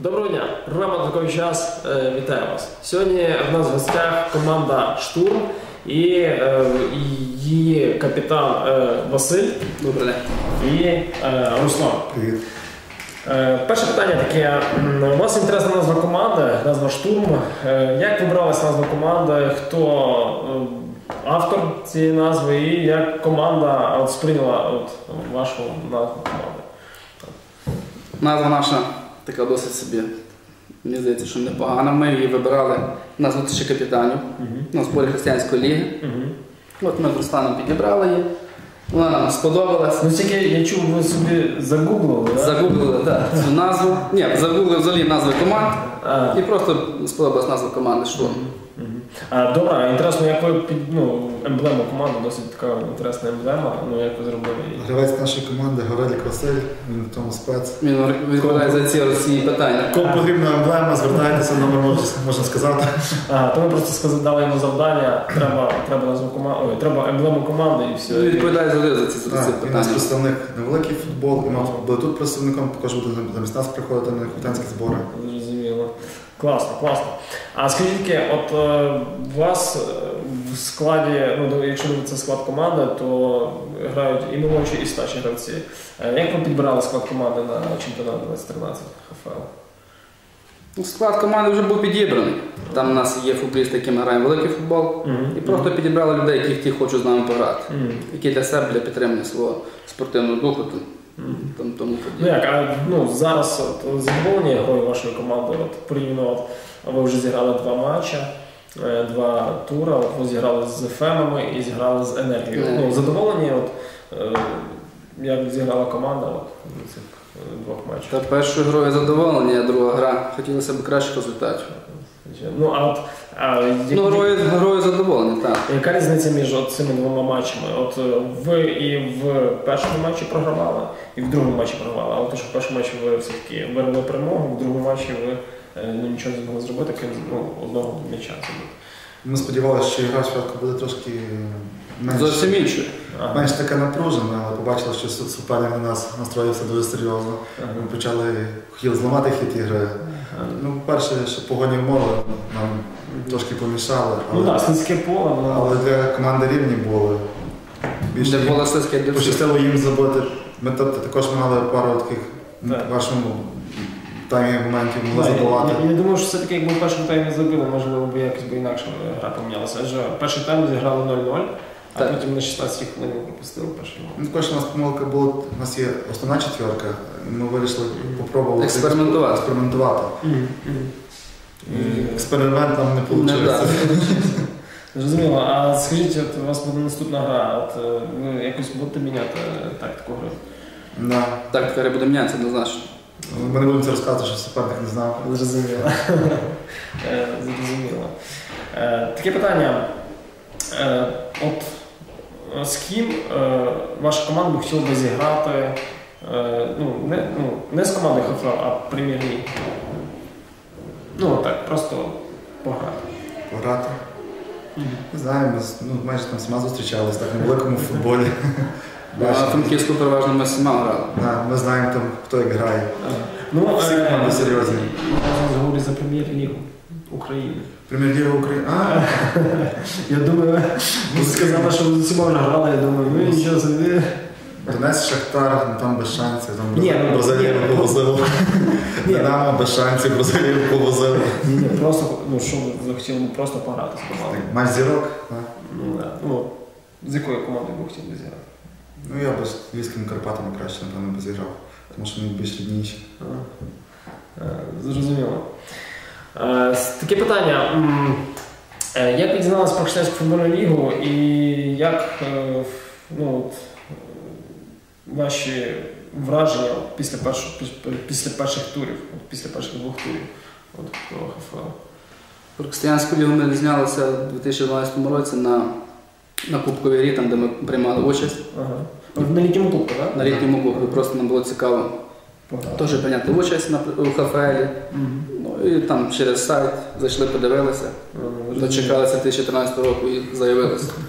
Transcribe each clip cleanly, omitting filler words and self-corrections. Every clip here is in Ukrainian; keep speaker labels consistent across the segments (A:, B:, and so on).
A: Доброго дня! Програма «Такий час». Вітаю вас. Сьогодні в нас в гостях команда «Штурм» і її капітан Василь.
B: Добрий день.
A: І Руслан.
C: Привіт.
A: Перше питання таке. У вас інтересна назва команди, назва «Штурм». Як вибралась назва команди? Хто автор цієї назви і як команда сприйняла вашу назву команди?
B: Назва наша така досить собі, мені здається, що непогана. Ми її вибирали на зустрічі капітанів на зборі християнської ліги. От ми з Русланом підібрали її. Вона нам сподобалась.
A: Ну, тільки я чув, ви собі загуглили, так?
B: Загуглили, так, цю назву. Ні, загуглили взагалі назви команд. І просто сподобалась назва команди «Штурм».
A: Добре, інтересно, як ви емблему команди, досить така інтересна емблема, як ви зробили її?
C: Гравець нашої команди Горелік Василь, він в тому спец.
B: Він відповідає за ці питання.
C: Кому потрібна емблема, звертайтеся, номер можна сказати.
A: То ми просто дали йому завдання, треба назву команди, треба емблему команди і все.
B: Він відповідає завжди за ці питання.
C: Він у нас представник на великий футбол, і ми були тут представником, також буде замість нас приходити на капітанські збори.
A: Зрозуміло. Класно, класно. А скажіть, от у вас в складі, якщо дивитися склад команди, то грають і молодші, і старші гравці. Як ви підбирали склад команди на чемпіонат 2013 ХФЛ?
B: Склад команди вже був підібраний. Там у нас є футболісти, які ми граємо великий футбол. І просто підібрали людей, які хочуть з нами пограти. Які для себе, для підтримання свого спортивного духу.
A: Зараз задоволені грою вашої команди? Порівняно, ви вже зіграли 2 матчі, 2 тури, ви зіграли з Фемами і зіграли з Енергією. Задоволені, як зіграла команда в цих 2 матчах?
B: Першою грою задоволені, а друга гра хотілося б кращих результатів. Грою задоволені, так.
A: Яка різниця між цими 2 матчами? Ви і в першому матчі програвали, і в другому матчі програвали. Але в першому матчі ви все-таки вирвали перемогу, в другому матчі ви нічого не змогли зробити, крім одного м'яча.
C: Ми сподівалися, що гра спочатку буде трошки
B: зовсім іншою.
C: Менш така напружена, але побачили, що суперник на нас настроївся дуже серйозно. Ми хотіли зламати хід ігри. Перше, що погодні умови нам трошки помішали.
A: Слизьке поле.
C: Але для команди рівні були.
B: Для поля слизьке, для
C: пощастило їм забити. Ми також мали пару таких в вашому таймі моментів могли забивати.
A: Я думаю, що все-таки якби в першому таймі забили, можливо, якось інакше гра помінялася. Адже перший тайм зіграли 0-0. А потім на 16 хвилин пропустили перший гол.
C: Також у нас помилка була, у нас є основна четверка, ми вирішили спробувати експериментувати. Експеримент нам не вийшло.
A: Зрозуміло. А скажіть, у вас буде наступна гра, ви якось будете міняти тактику гри?
B: Тактика гри буде мінятися, однозначно.
C: Ми не будемо це розказувати, що суперник не знав.
A: Зрозуміло. Таке питання. З ким ваша команда б хотіла б зіграти, не з командою ХФЛ, а в прем'єр-лігі? Просто пограти.
C: Пограти? Не знаю, ми майже там всіма зустрічалися, так, на великому футболі.
B: А Франківську переважно ми всіма грали.
C: Ми знаємо, хто як грає. Всі команди серйозні.
A: Я говорю за прем'єр-лігу України.
C: Прем'єр-лігу України?
A: Я думаю, ви сказали, що ви з усіма вже грали, я думаю, нічого собі.
C: Донець, Шахтар, там без шансів, Бразилію повозили. Динамо без шансів, Бразилію повозили.
A: Просто, що ви хотіли просто пограти з командою?
C: Матч зірок?
A: З якою командою ви хотіли зіграти?
C: Я б з Львівськими Карпатами краще, напевно, б зіграв, тому що вони більш рідніші.
A: Зрозуміло. Таке питання. Як ви дізналися про Християнську футбольну лігу і як ваші враження після перших турів, після перших 2 турів про ХФЛ?
B: Про Християнську лігу ми знялися у 2012 році на Кубковій грі, там де ми приймали участь.
A: На літньому кубку, так?
B: На літньому кубку, просто нам було цікаво теж прийняти участь у ХФЛі. І там через сайт зайшли, подивилися, дочекалися 2014 року і заявилися.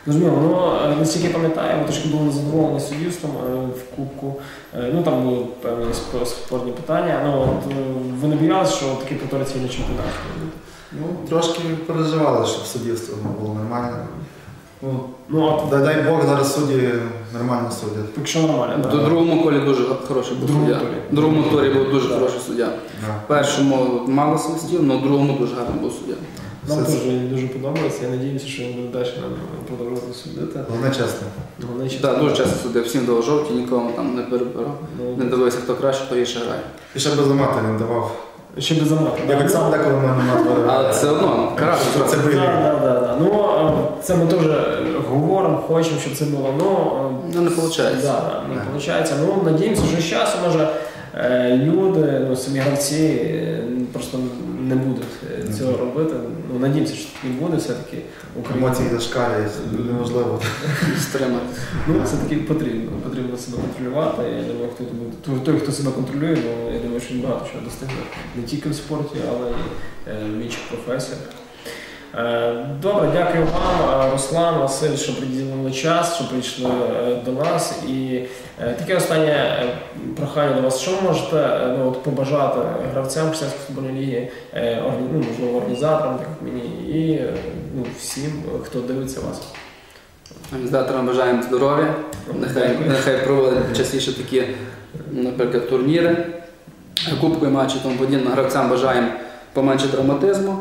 A: Зрозуміло, ну, наскільки пам'ятаю, ви трошки були незадоволені суддівством в Кубку. Ну, там були певні спорні питання. Ну, от, ви не боялися, що такий повториться і на чемпіонаті?
C: Ну, трошки переживали, щоб суддівство було нормально.
A: Ну,
C: дай Бог, зараз судді нормально суддять.
A: Якщо нормально,
B: До другому колі дуже хороший був суддя. В другому турі був дуже хороший суддя. В першому мало свистів, але в другому дуже гарний був суддя.
A: Нам теж дуже подобається, я сподіваюся, що він буде далі продовжувати судити.
C: Головне чесно.
B: Так, дуже часто судив, всім давав жовті, нікому там не перебирав. Не дивився, хто краще, хто гірше грає.
C: І ще без замати він давав.
A: Ще без замати.
C: Я так само деколи мене мат.
B: Але все одно, карати.
C: Це били.
A: Так. Ну, це ми теж говоримо, хочемо, щоб це було.
B: Ну, не виходить.
A: Так, не виходить. Ну, надіємося, що з часом, може, люди, ну, самі гравці просто не будуть цього робити. Ну, надіємося, що таки буде все-таки.
C: Емоції зашкалюють, неможливо
B: стримати.
A: Ну, це-таки потрібно себе контролювати. Я думаю, той, хто себе контролює, ну, я думаю, що він багато чого достигне. Не тільки в спорті, але й в інших професіях. Добре, дякую вам, Руслан, Василь, що приділили час, що прийшли до нас. І таке останнє прохання до вас. Що ви можете побажати гравцям Християнської футбольної ліги, можливо, організаторам, так як мені, і всім, хто дивиться вас?
B: Організаторам бажаємо здоров'я, нехай проводять частіше такі, наприклад, турніри, кубкові матчі, тому подібне. Гравцям бажаємо поменше травматизму,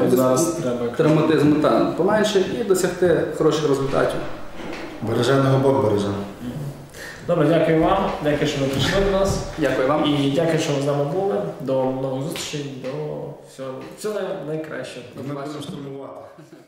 B: поменше і досягти хороших результатів.
C: Береженого Бог береже.
A: Добре, дякую вам, дякую, що ви прийшли до нас.
B: Дякую вам.
A: І дякую, що ви з нами були. До нових зустрічей, до всього найкращого.
C: Ми будемо штурмувати.